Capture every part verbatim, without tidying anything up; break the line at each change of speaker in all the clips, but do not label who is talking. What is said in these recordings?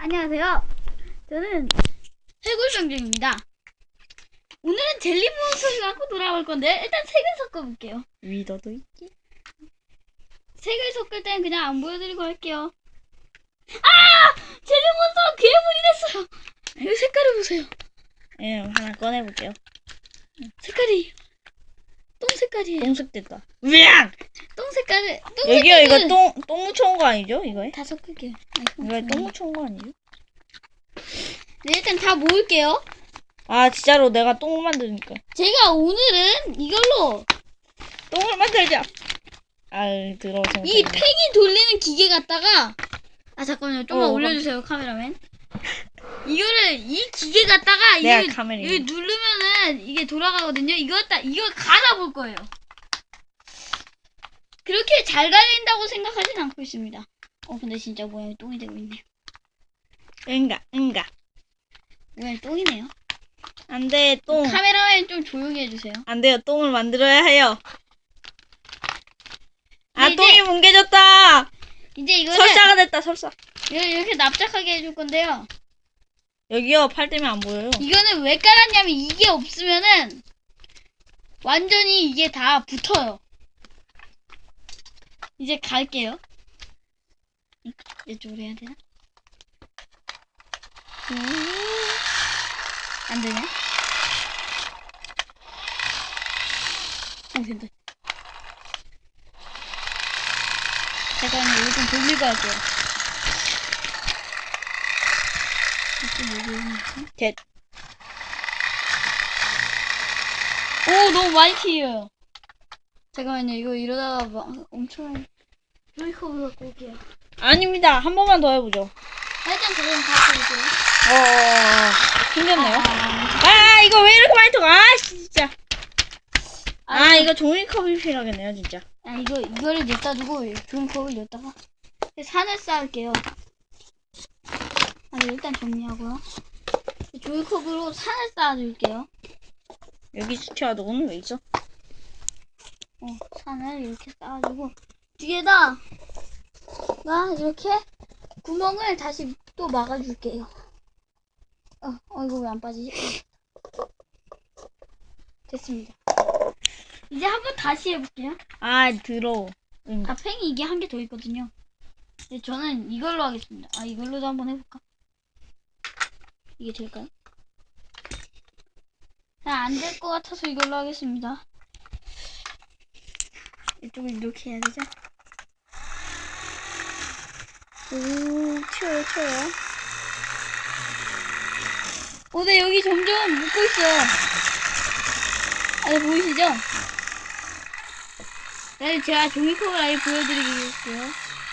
안녕하세요. 저는 해골병정입니다. 오늘은 젤리 몬스터를 갖고 돌아올 건데 일단 색을 섞어볼게요.
위더도 있지?
색을 섞을 땐 그냥 안 보여드리고 할게요. 아! 젤리 몬스터 괴물이 됐어요. 이거 색깔을 보세요.
예, 하나 꺼내볼게요.
색깔이 똥 색깔이에요.
똥색 됐다. 으앙!
똥 색깔을 똥
여기요,
색깔을
이거 똥, 똥 묻혀온 거 아니죠? 이거에?
다 섞을게요.
이거에 똥 묻혀온 거 아니죠?
네, 일단 다 모을게요.
아, 진짜로 내가 똥을 만드니까.
제가 오늘은 이걸로
똥을 만들자! 아유, 더러워.
이 팽이 돌리는 기계 갖다가 아 잠깐만요, 좀만
어,
올려주세요 카메라맨. 이거를 이 기계 갖다가
내가
이거
카메라에
이거 누르면은 이게 돌아가거든요. 이거 갖다 이거 갈아볼 거예요. 그렇게 잘 갈린다고 생각하진 않고 있습니다. 어 근데 진짜 모양이 똥이 되고 있네요.
응가, 응가.
모양이 똥이네요.
안 돼, 똥.
카메라맨 좀 조용히 해주세요.
안 돼요, 똥을 만들어야 해요. 아,
네,
똥이
이제-
뭉개졌다!
이제 이거를
설사가 됐다, 설사.
이렇게, 이렇게 납작하게 해줄 건데요.
여기요, 팔 때문에 안 보여요.
이거는 왜 깔았냐면 이게 없으면은 완전히 이게 다 붙어요. 이제 갈게요. 이- 이쪽으로 해야 되나? 안 되네. 오, 된다. 잠깐만요, 이거 좀 돌리고 할게요. 이렇게 여기 있는
됐.
오, 너무 많이 튀어요. 잠깐만요, 이거 이러다가 막 엄청 조이컵을 갖고 올게요.
아닙니다. 한 번만 더 해보죠.
일단 저는 갖고 올게요.
어어어. 생겼네요.
아,
아, 이거 왜 이렇게 많이 들어가? 아, 진짜.
아,
아, 이거 종이컵이 필요하겠네요, 진짜.
아, 이거, 이거를 냈다 두고 조이컵을 냈다가 산을 쌓을게요. 아, 일단 정리하고요. 조이컵으로 산을 쌓아줄게요.
여기 수채화도는 왜 있어?
어, 산을 이렇게 쌓아주고 뒤에다 나 이렇게 구멍을 다시 또 막아줄게요. 어, 어 이거 왜 안 빠지지? 됐습니다. 이제 한번 다시 해볼게요.
아, 더러워. 응.
아, 팽이 이게 한 개 더 있거든요. 근데 저는 이걸로 하겠습니다. 아, 이걸로도 한번 해볼까? 이게 될까요? 안 될 것 같아서 이걸로 하겠습니다. 이쪽을 이렇게 해야 되죠? 오, 치워요, 치워요. 오, 네, 여기 점점 묶고 있어요. 아, 네, 보이시죠? 네, 제가 종이컵을 아예 보여드리겠고요.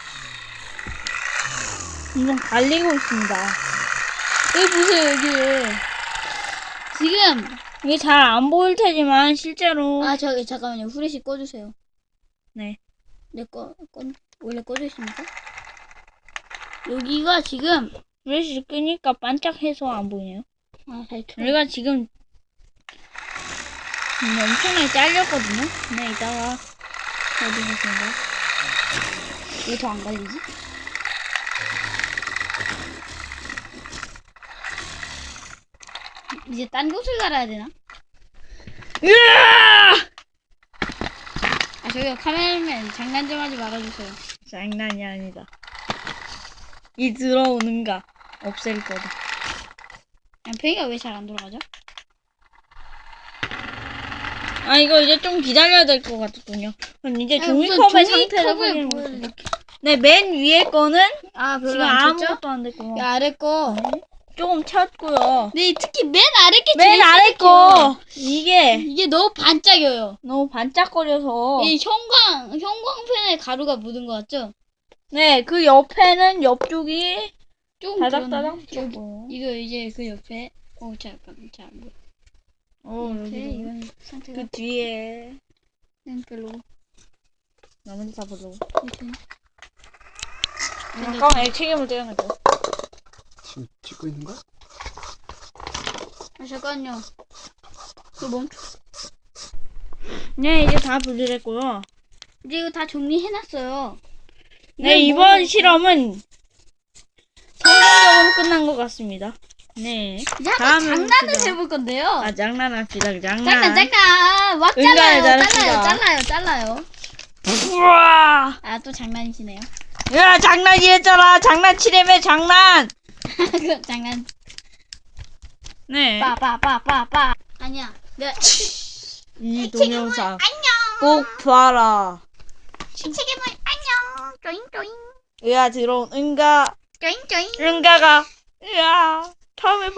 이건 갈리고 있습니다.
여기 보세요, 여기. 지금,
이게 잘 안 보일 테지만, 실제로.
아, 저기, 잠깐만요. 후레쉬 꺼주세요.
네.
네, 꺼, 꺼, 원래 꺼져 있습니까? 여기가 지금,
후레쉬 끄니까 반짝해서 안 보이네요.
아, 잘 켜.
우리가 지금, 음, 엄청나게 잘렸거든요? 네, 이따가, 어디 보세요.
왜 더 안 갈리지? 이제 딴 곳을 갈아야 되나?
으아!
아, 저기요, 카메라맨 장난 좀 하지 말아주세요.
장난이 아니다. 이 들어오는가, 없앨 거다.
아, 팽이가 왜 잘 안 돌아가죠?
아, 이거 이제 좀 기다려야 될 것 같군요. 그럼 이제
아니,
종이컵의
우선
상태를
종이컵을
확인해
보여드릴게요.
보겠습니다. 네, 맨 위에 거는
아, 별로
지금
안 쳤죠?
아무것도 안 됐고,
이 아래 거.
조금 쳤고요.
네, 특히 맨 아래 게
맨
제일
아래
시작해요.
거 이게
이게 너무 반짝여요.
너무 반짝거려서
이 형광, 형광펜에 가루가 묻은 거 같죠?
네, 그 옆에는 옆쪽이
조금
다닥다닥
그러네.
붙고.
이거 이제 그 옆에, 어, 잠깐만, 자, 뭐.
어,
옆에
여기도.
이건 상태가
그 뒤에
음, 별로.
나머지 다 보려고.
이렇게.
잠깐만, 책임을 떼어내고.
지금 찍고 있는 거야?
아, 잠깐요. 이거 멈춰.
네, 이제 다 분리됐고요.
이제 이거 다 정리해놨어요.
네,
이건
이번
뭐-
실험은 성공적으로 끝난 것 같습니다. 네.
이제 한번
다음은
장난을
그죠.
해볼 건데요.
아, 장난합시다. 장난.
잠깐 잠깐 막
응가를
잘라요
잘합시다.
잘라요 잘라요 잘라요.
우와!
아 또 장난이시네요.
야, 장난이랬잖아. 장난치려면 장난.
그 장난.
네.
빠빠빠빠빠. 아니야. 네.
이 동영상
안녕.
꼭 봐라.
책임을 안녕. 쪼잉 쪼잉
으아, 들어온 응가.
쪼잉 쪼잉.
응가가. 으아. 다음에 봐.